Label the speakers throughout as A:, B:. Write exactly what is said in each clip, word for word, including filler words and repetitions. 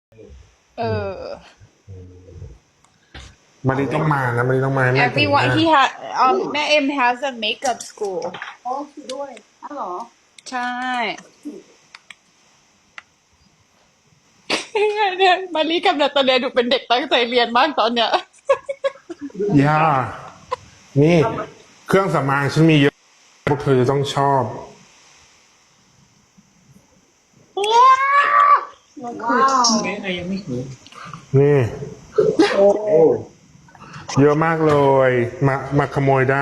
A: เออ
B: มารีต้องมานะมารีต้องมาให้แม่แต่งห
A: everyone
B: น้า
A: he ha um แม่เอ็ม has a makeup school
C: อ๋อคือด้วยอ้าวเหรอ
A: ใช่เนี่ยมารีกับนาตาเลียดูเป็นเด็กตั้งใจเรียนมากตอนเนี้ย
B: ย่านี่ เครื่องสำอางฉันมีเยอะพวกเธอจะต้องชอบ
C: ว้าว
D: ไม่ไอยังไม่รู้
B: นี่
D: โอ้
B: เยอะมากเลย มามาขโมยได้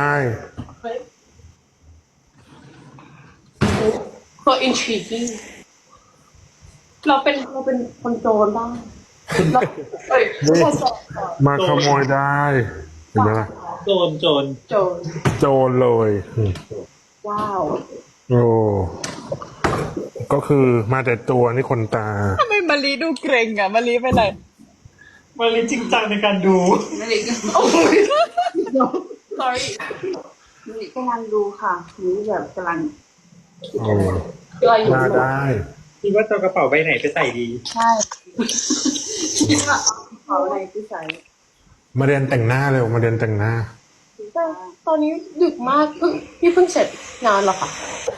C: ก็ intriguing เราเป็นเราเป็นคนโจรบ้างเราเอ้ย
B: นี่
C: คนโจร
B: มาขโมยได้ เห็นไหมล่ะ
D: โจรโจร
C: โจร
B: โจรเลยอืม
C: ว้าว
B: โอ้ก็คือมาแต่ตัวนี่คนตา
A: ทำไมมารีดูเกรงอ่ะมารีไปไหน
D: มาเลยจริงจังในการดู
C: ไม่ได้โอ้ย sorry นี่กำลังดูค่ะนี่แบบกำลัง
B: โอ้
C: กำลังอยู่
B: มาได้
D: คิดว่าจะเอากระเป๋าใบไหนไปใส่ดี
C: ใช่คิดว่าเอาอะไรที่ใส่
B: มาเรียนแต่งหน้าเร็วมาเรียนแต่งหน้า
C: แต่ตอนนี้ดึกมากเพิ่งพี่เพิ่งเสร็จงานเหรอคะ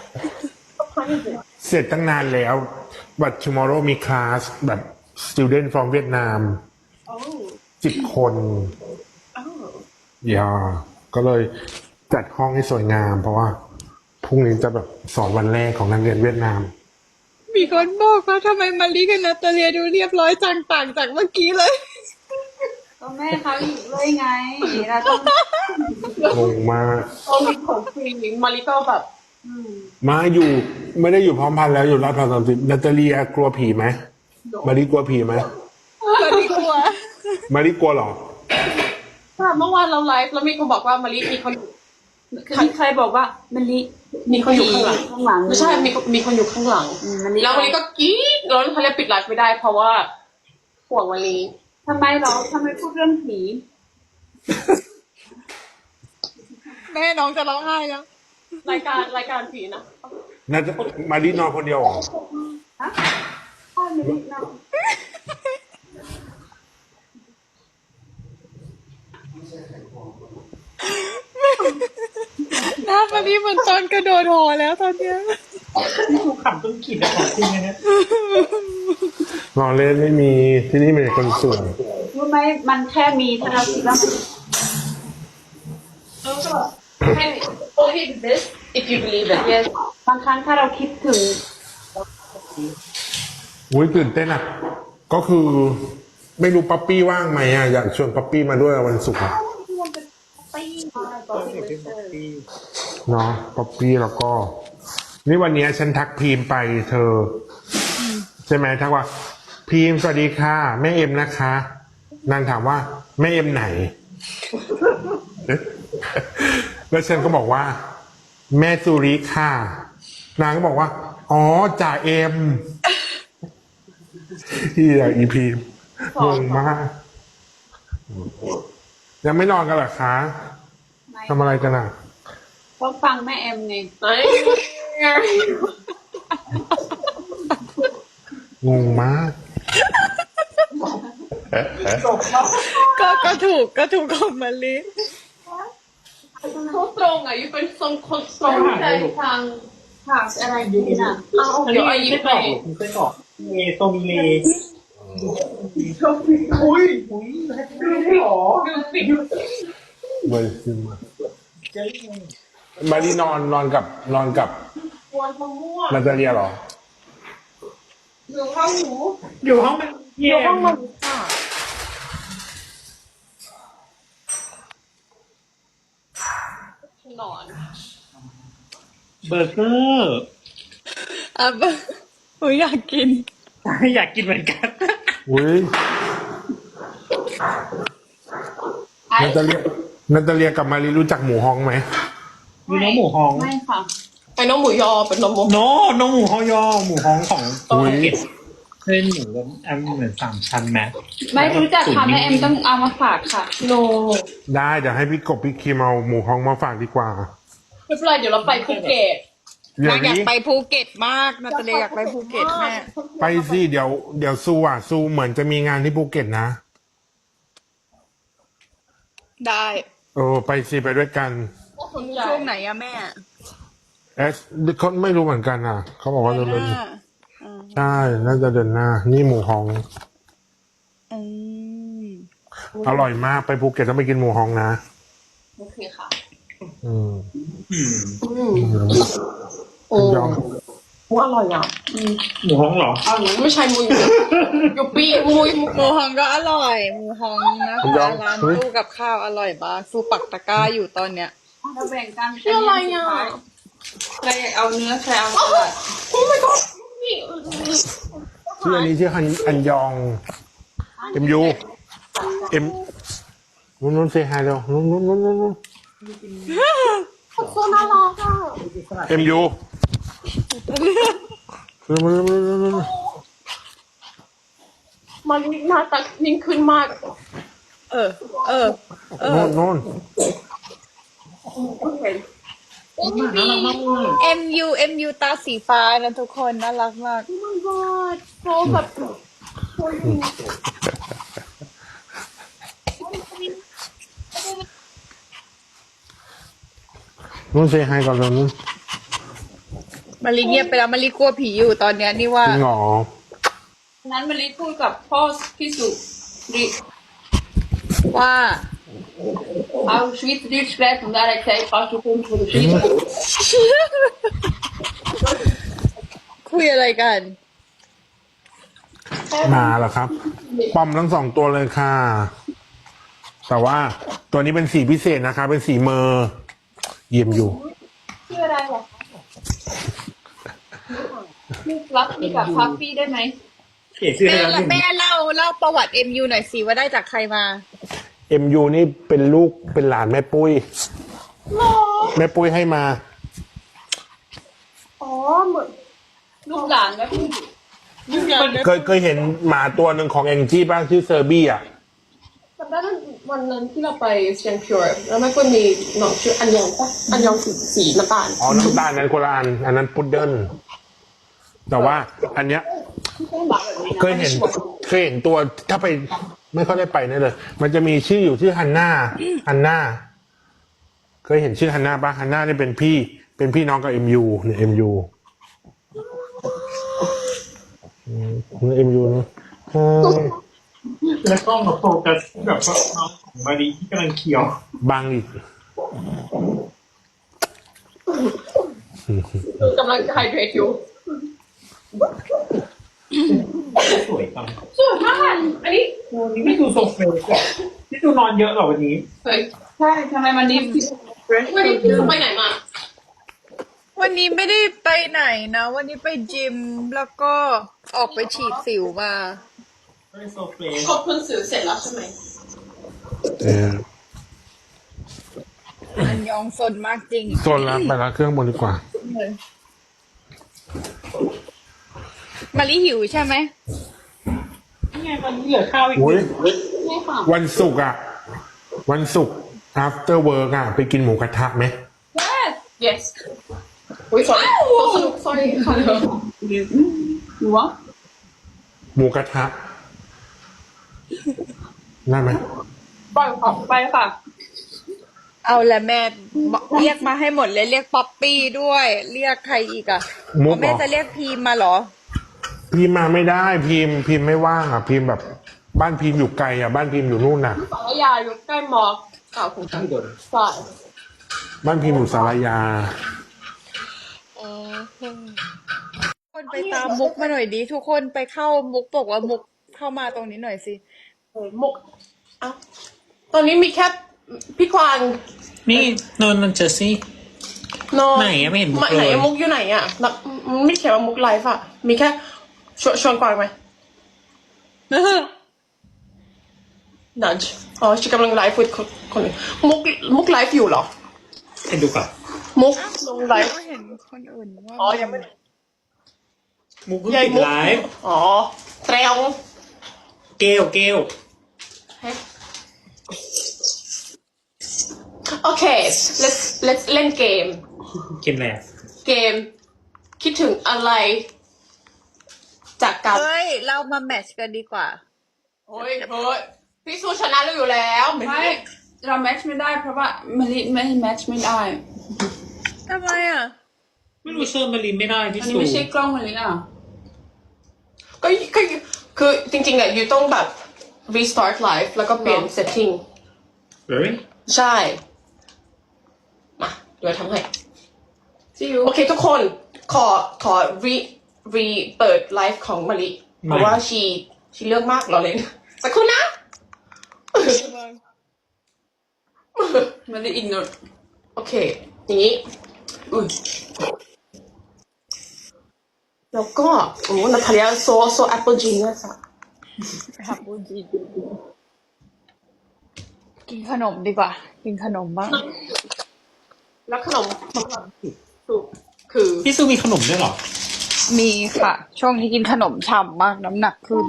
B: เสร็จตั้งนานแล้ว but tomorrow มีคลาสแบบ student from เวียดนาม
C: โอ้
B: สิบคน
C: อ้าว
B: อย่าก็เลยจัดห้องให้สวยงาม เพราะว่าพรุ่งนี้จะแบบสอนวันแรกของนักเรียนเวียดนาม
A: มีคนบอกว่าทำไมมารีกับนาตาเลียดูเรียบร้อยจังต่างจากเมื่อกี้เลย
C: ก็แม่เขาอยู่ด้วยไงเราต้อง
B: งงมาก
C: ต้องมีของฟรีมาริก็แบบอืม
B: มาอยู่ไม่ได้อยู่พร้อมพันธุ์แล้วอยู่รับพร้อมสามสิบนาตาเลียกลัวผีไหมมาริกลัวผีไหม
A: มารีกลัว
B: มาริกลัวเหรอ
C: ค่ะเมื่อวานเราไลฟ์แล้วมีคนบอกว่ามาริมีคนมีใครบอกว่ามาริมีคนอยู่ข้างหลังข้างหลังไม่ใช่มีมีคนอยู่ข้างหลังแล้วมาริก็กรี๊ดแล้วเขาเลยปิดไลฟ์ไม่ได้ เพราะว่าห่วงมาริทำไมเหรอทำไมพูดเรื่องผี
A: แม่น้องจะร้องไห้แล้ว
C: รายการรายการผีนะ
B: นาตามารินอนคนเดียวเหรอ
C: ฮะใช่มารินะ
A: หน้ามารีเหมือนตอนกระโดดหอแล้วตอนเนี้ย
D: ที่กูขำต้องขีดแต่ของจริงนะเนี่ย
B: นอนเล่นไม่มีที่นี่มีแต่คนสวย
C: รู้ไหมมันแค่มีถ้าเราคิดว่าแล้วก็ให้ only this if you believe it yes บางครั้งถ้าเราคิดถึง
B: อุ้ยตื่นเต้นอ่ะ ก็คือไม่รู้ป๊อปปี้ว่างไหมอ่ะอยากชวนป๊อปปี้มาด้วยวันศุกร์อะ
C: ตีมาตอนที่เจอ
B: เนาะป๊อปปี้แล้วก็ นี่วันนี้ฉันทักพีมไปเธอ ใช่ไหมทักว่า พีมสวัสดีค่ะ แม่เอ็มนะคะนางถามว่าแม่เอ็มไหน แล้วฉันก็บอกว่า แม่สุริค่ะ นางก็บอกว่า อ๋อจ่าเอ็มที่อยากอีพีมงงมาก ยังไม่นอนกันเหรอคะทำอะไรกันอ่ะ
C: เพราะฟังแม่เอ็มไง
B: งงมาก
A: ก็ก็ถูกก็ถูกของมารี
C: เขาตรงอ่ะยูเป็นทรงคนตรงใจทางทางอะไรดีน่ะเอา
D: อัน
C: เดี๋
D: นี้
C: ยวไอ้
D: ไม่
C: ยิ
D: ใช่
C: บ
D: ก
C: ไป
D: รอกคุณเคยกรอกเมโซมิเล
C: อุ้ย
D: อุ้ยไม่หรอ
C: ดูสิ
B: เว้ยซึมอะ
D: เจ๊
B: มารีนอนนอนกับนอนกับ
C: กวนมะม่วง
B: นาตาเลียเหรอ
C: อยู่ห้องหนู
D: อยู่ห้องมัน
C: อ
D: เยี่ย
C: ยู่ห้อง
D: ม
C: มันค่ะนอน
D: เบอร์เกอร์
A: อ่ะหนูอยากกิน
D: อยากกินเหมือนกัน
B: อุ้ยนาตาเลียนาตาเลียกับมารีรู้จักหมูฮองไหม
D: มีน้องหมูฮอง
C: ไม่ค่ะไอ้น้องหมูยอเป็นน้องหมู
D: โนน้องหมูฮอยอหมูฮองของ
B: อุ้ย
D: ภูเก็ตเส้นหมูแบบอันเหมือนสามชั้นไหม
C: ไม่รู้จักค่ะแม่เอ็มต้องเอามาฝากค่ะโน
B: ได้เดี๋ยวให้พี่กบพี่คิมเอาหมูฮองมาฝากดีกว่า
C: ไม่เป็นไรเดี๋ยวเราไปภูเก็ต
B: เดี๋ย
A: นาว งอยาก
B: นี้
A: ไปภูเก็ตมากนาตาเลียอยากไปภูเก็ตแม่
B: ไปสิเดี๋ยวเดี๋ยวซูอ่ะซูเหมือนจะมีงานที่ภูเก็ตนะ
A: ได้
B: เออไปสิไปด้วยกัน
A: ช่วงไหนอะแม่
B: เอสเขาไม่รู้เหมือนกันอ่ะเขาบอกว่า
A: เดื
B: เดื
A: อ
B: อน น
A: หน้า
B: ใช่น่าจะเดือนหน้า นี่หมูฮอง
A: อืม
B: อร่อยมากไปภูเก็ตต้องไปกินหมูฮองนะ
C: โอเคค่ะ
B: อืม
D: อืม
C: อืม
B: โอ้ยอม
C: หมูอร่อยอ่ะอืม
D: หมูฮ้องเหรอ
C: อร่อยไม่ใช่หมูอยู่อยู่ปีหมูหมู
A: หมูฮองก็อร่อยหมูฮองนะคะร้านตู้กับข้าวอร่อยมากสู้ปักตะกร้าอยู่ตอนเนี้ย
C: เราแบ่งกันชื่ออะไรอ่ะ
A: ใครอยากเอาเนื้อใครเอาสลัด
C: โอ้ my god นี่
B: ชื่ออันนี้ชื่อฮันอันยองเอ็มยูเอ็มนู้นนู้นเซฮายเร็วนู้นนู้นนู้นนู้น
C: โคตรน่ารักอ่ะ
B: เอ็มยูเร็วเร็วเร็วเร็วเร็ว
C: มันหน้าตานิ่งขึ้นมาก
A: เออ เออ เออ
B: นู้นนู้น
C: เห็น
D: น่ารักมากเลย
A: M U M U ตาสีฟ้านะทุกคนน่ารักมาก
C: โอ้ my god โซแบบโซยู
B: นู้นเซฮายก่อนเร็วนู้น
A: มารีเงียบไปแล้วมารีกลัวผีอยู่ตอนเนี้ยนี่ว่า
B: จริงเหรอ
C: นั้นมารีพูดกับพ่อพี่สุริ
A: ว่า
C: เอาชีวิตดีสเปรย์ถึงอะไรใช้ปัจจุบันทุกชีวิต
A: คุยอะไรกัน
B: มาแล้วครับปอมทั้งสองตัวเลยค่ะ แต่ว่าตัวนี้เป็นสีพิเศษนะคะ เป็นสีเมอร์เยี่ยมอยู่
C: ชื่ออะไรหรอชื่อรักนี่กับพัฟฟี่ได้ไหม
D: เก๋ชื่อ
A: แม่
D: อะไร
A: ละ
D: นะ
A: แม่เล่าเล่าประวัติ M U หน่อยสิว่าได้จากใครมา
B: เอ็มยูนี่เป็นลูกเป็นหลานแม่ปุ้ย
C: หรอ
B: แม่ปุ้ยให้มา
C: อ๋อเหมือนลูกหลานแล้วพี่
B: เคยเคยเห็นหมาตัวหนึ่งของแองจี้บ้างชื่อเซอร์บี้อ่ะ
C: จำได้วันนั้นที่เราไปเชียงพิวร์แล้วมันก็มีน้องชื่ออันยองปะอันยองสีสีน้ำตาล
B: อ๋อ น้ำตาลนั้นคนละอัน อันนั้นพุดเดิ้ลแต่ว่าอันเนี้ย เคยเห็นเคยเห็นตัวถ้าไปไม่ค่อยได้ไปนี่เลย มันจะมีชื่ออยู่ชื่อฮันน่าฮันน่าเคยเห็นชื่อฮันน่าปะฮันน่านี่เป็นพี่ เป็นพี่น้องกับเอ็มยูเนี่ยเอ็มยูเอ็มยูนะใช่
D: แล้วก็มาโฟกัสแบบว่าน้องของมารีที่กำลังเคี้ยว
B: บางอีก
C: กำลังไฮเดรตอยู่
D: สวยจัง
C: สวยมากอันนี้
D: วันนี้ไม่ดูโซเฟย์อะนี่ดูนอนเยอะเหรอวันนี้
C: เฮ้ย
A: ใช่ทำไมมันนี้
C: วันนี้พี่ไปไหนมา
A: วันนี้ไม่ได้ไปไหนนะ วันนี้ไปจิมแล้วก็ออกไปฉีดสิวมา
D: ไม่ได้โซเฟย์
C: ขอบคุณสื่อเสร็จแล้วใช่ไหม
B: เออ
A: อันยองสนมากจริง
B: โซนละไปละเครื่องบนดีกว่า
A: มารีหิวใช่ไหม
D: นี่ไงวันนี้เหลือข้าวอีก
B: อุ้ย
C: ไม่ค่ะ
B: วันศุกร์อ่ะ วันศุกร์ after work อ่ะ ไปกินหมูกระทะไหม
C: yes yes อุ้ยสวยสนุกสวยค่ะหนูวะ
B: หมูกระทะได้ไหม
C: ปล่อยของไปค่ะ
A: เอาละแม่บอกเรียกมาให้หมดเลยเรียกป๊อปปี้ด้วย เรียกใครอีกอะ
B: มุก
A: แม่
B: เหรอ
A: จะเรียกพีมมาเหรอ
B: พิมพ์มาไม่ได้พิมพ์พิมพ์ไม่ว่างอ่ะพิมพ์แบบ บ้านพิมพ์อยู่ไกลอ่ะบ้านพิมพ์อยู่นู่นน่ะ
C: สารยาอยู่ใกล้มอเก่าของกันใช่
B: บ้านพิมพ์อยู่สารยา
A: คนไปตามมุกมาหน่อยดิทุกคนไปเข้ามุกบอกว่ามุกเข้ามาตรงนี้หน่อยสิ
C: โอ้ยมุกเอ้าตอนนี้มีแค่พี่ควาน
D: นี่นอนนอนเจอซี่
C: นอน
D: ไหนอะไม่เห็นมุก
C: ไหน
D: เลย
C: อะมุกอยู่ไหนอะแล้วมันไม่เขียนว่ามุกไลฟ์อะมีแค่ชวนชวนกวางไหมนันอ๋อฉันกำลังไลฟ์กับคนคนอื่นมุกมุกไลฟ์อยู่เหรอ
D: ให้ดูก่อน
C: มุกลงไลฟ์
A: ก็เห็นคนอื่นว่า
C: อ๋อยังไม่
D: มุกเพิ่ง
C: ยาย
D: ปิด
C: มุก
D: ไลฟ์
C: อ๋อเตรียม
D: เกลเกล
C: โอเค let's let's เล่นเกม
D: เกมอะไรอะ
C: เกมคิดถึงอะไร จากการ
A: เฮ้ย เรามาแมทช์กันดีกว่า
C: โอ้ยเฮ้ยพี่สู้ชนะเราอยู่แล้วไม่
E: ไม่เราแมทช์ไม่ได้เพราะว่ามาริไม่แมทช์ไม่ได้
A: ทำไมอ่ะ
D: ไม่รู้เชิญมารีไม่ได้พี่
E: อันนี้
D: สู
E: ไม่ใช่กล้องมาริอ่ะ
C: ก็ก็คือจริงๆอ่ะยูต้องแบบ restart live แล้วก็เปลี่ยน setting
D: เฮ้ย
C: ใช่ มาเดี๋ยวทำให้
E: See you
C: โอเคทุกคนขอขอ re re เปิดไลฟ์ของมาริเพราะว่าชีชีเลือกมากเราเลยสักครู่นะ
E: มาริอินโนด
C: โอเค อย่างนี้
E: อุ้ย
C: แล้วก็โอ้นาทาเลียโซโซแอปเปิลจีเนียสอะ
A: กินขนมดีกว่า กินขนมบ้าง
C: แล้วขนมของเราคือ
D: พี่ซูมีขนมด้วยเหรอ
A: มีค่ะ ช่วงนี้กินขนมฉ่ำมากน้ำหนักขึ้น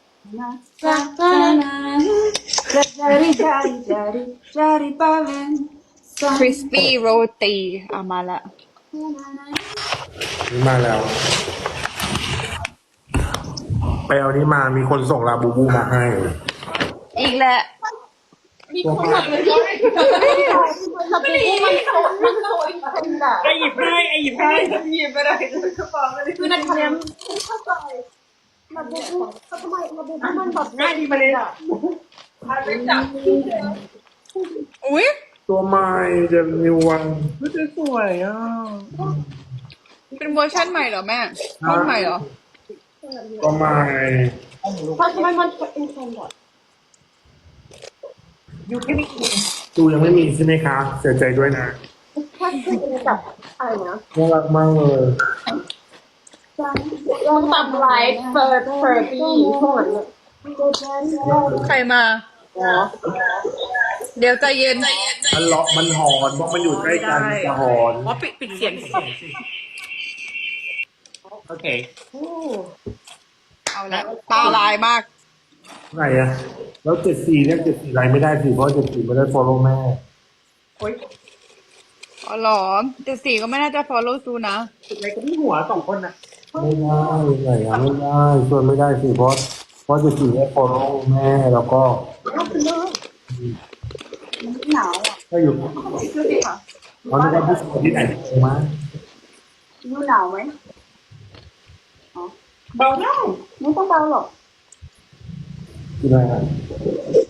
A: คริสปี้โรตีเอามาละ
B: นี่มาแล้ว ไปเอานี่มามีคนส่งลาบูบูมาให้
A: อีกแล้ว
C: มีคนทำเลยด้วยไม่ดีมันโตมันโตอีกคนอ่ะ
D: ไอหยิบให้ไอหยิบให้
E: หยิบไปได้กระเป๋ามาริ
C: คือนาทาเลียเข้าใจมาดูเขาทำไมมาดูมันแบบ
D: ง่ายดีมาเลยอ่ะ
A: อุ้ย
B: ตัวใหม่เดนิวัน
D: รู้สวยอ่ะ
A: เป็นเวอร์ชันใหม่เหรอแม่รุ่นใหม่เหรอ
B: ตัวใหม่
C: เพราะทำไมมันเป็นคนแบบ
B: ตูยังไม่มีใช่ไหมคะเสียใจด้วยนะ
C: แค่คือแบบอะไรนะ
B: น่ารักมากเลย
C: ต้องทำไลฟ์เฟิร์เฟิร์ตี้ช่วงนั้น
A: ใครมา เดี๋ยวใจเย็น
B: มันเลาะมันหอนเพราะมันอยู่ใกล้กันจะหอน
E: ว่าปิดปิดเสียง
D: โอเค
A: เอาละตาลายมาก
B: ไหนอะแล้วเจ็ดสี่เรียกเจ็ดสี่ไรไม่ได้สิเพราะเจ็ดสี่ไม่ได้ follow แม่
A: อ๋อเหรอเจ็ดสี่ก็ไม่น่าจะ follow ซูนะ
D: อะไรก็ที่หัวสองคนน่ะ
B: ไม่ได้ไหนอะไม่ได้ชวนไม่ได้สิเพราะเพราะเจ็ดสี่ได้ follow แม่แล้วก็
E: หนาวอ่ะ
B: ก็อยู่
E: ดูดิค่ะ
B: เขาจะว่าผู้ชายที่ไหนมา
E: ยูหนาวไหม
D: เบาได้
E: ไม่ต้องเบาหรอก
B: กินอะไรอะ